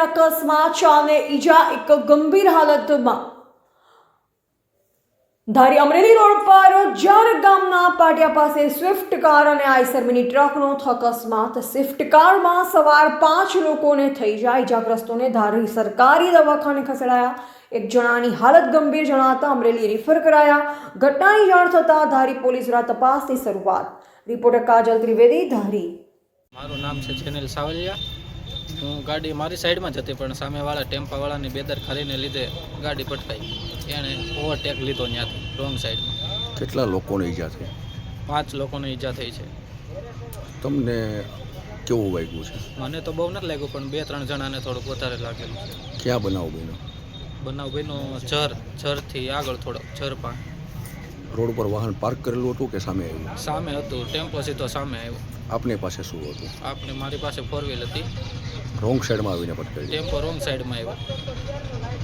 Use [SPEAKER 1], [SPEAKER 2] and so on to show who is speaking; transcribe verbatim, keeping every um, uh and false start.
[SPEAKER 1] અકસ્માત, ચારને ઈજા, એક ગંભીર હાલતમાં। ધારી અમરેલી રોડ પર જાર ગામના પાટિયા પાસે સ્વિફ્ટ કાર અને આઈસર મિની ટ્રકનો અકસ્માત। સ્વિફ્ટ કારમાં સવાર પાંચ લોકોને થઈ જાય ઈજાગ્રસ્તોને ધારી સરકારી દવાખાને ખસેડાયા। એક જણાની હાલત ગંભીર જણાતા અમરેલી રિફર કરાયા। ઘટનાની જાણ થતાં ધારી પોલીસ દ્વારા તપાસની શરૂઆત। રિપોર્ટર કાજલ ત્રિવેદી, ધારી।
[SPEAKER 2] મારું નામ છે જેનિલ સાવલિયા। હું ગાડી મારી સાઈડમાં જ હતી, પણ સામેવાળા ટેમ્પાવાળાની બેદરકારીને લીધે ગાડી પટકાઈ। એણે ઓવરટેક લીધો ત્યાંથી રોંગ સાઈડમાં।
[SPEAKER 3] કેટલા લોકોને ઈજા થઈ?
[SPEAKER 2] પાંચ લોકોને ઈજા થઈ છે।
[SPEAKER 3] તમને કેવું વાગ્યું છે?
[SPEAKER 2] મને તો બહુ નથી લાગ્યું, પણ બે ત્રણ જણાને થોડુંક વધારે લાગેલું છે।
[SPEAKER 3] ક્યાં બનાવ બન્યો?
[SPEAKER 2] બનાવ બન્યો જર જરથી આગળ થોડો જર પાન
[SPEAKER 3] રોડ પર વાહન પાર્ક કરેલું હતું કે સામે આવ્યું?
[SPEAKER 2] સામે હતું, ટેમ્પો સીધો સામે આવ્યો।
[SPEAKER 3] આપની પાસે શું હતું?
[SPEAKER 2] આપણે મારી પાસે ફોર વ્હીલ હતી,
[SPEAKER 3] રોંગ સાઈડમાં આવીને પટકાઈ?
[SPEAKER 2] ટેમ્પો રોંગ સાઈડમાં આવ્યો।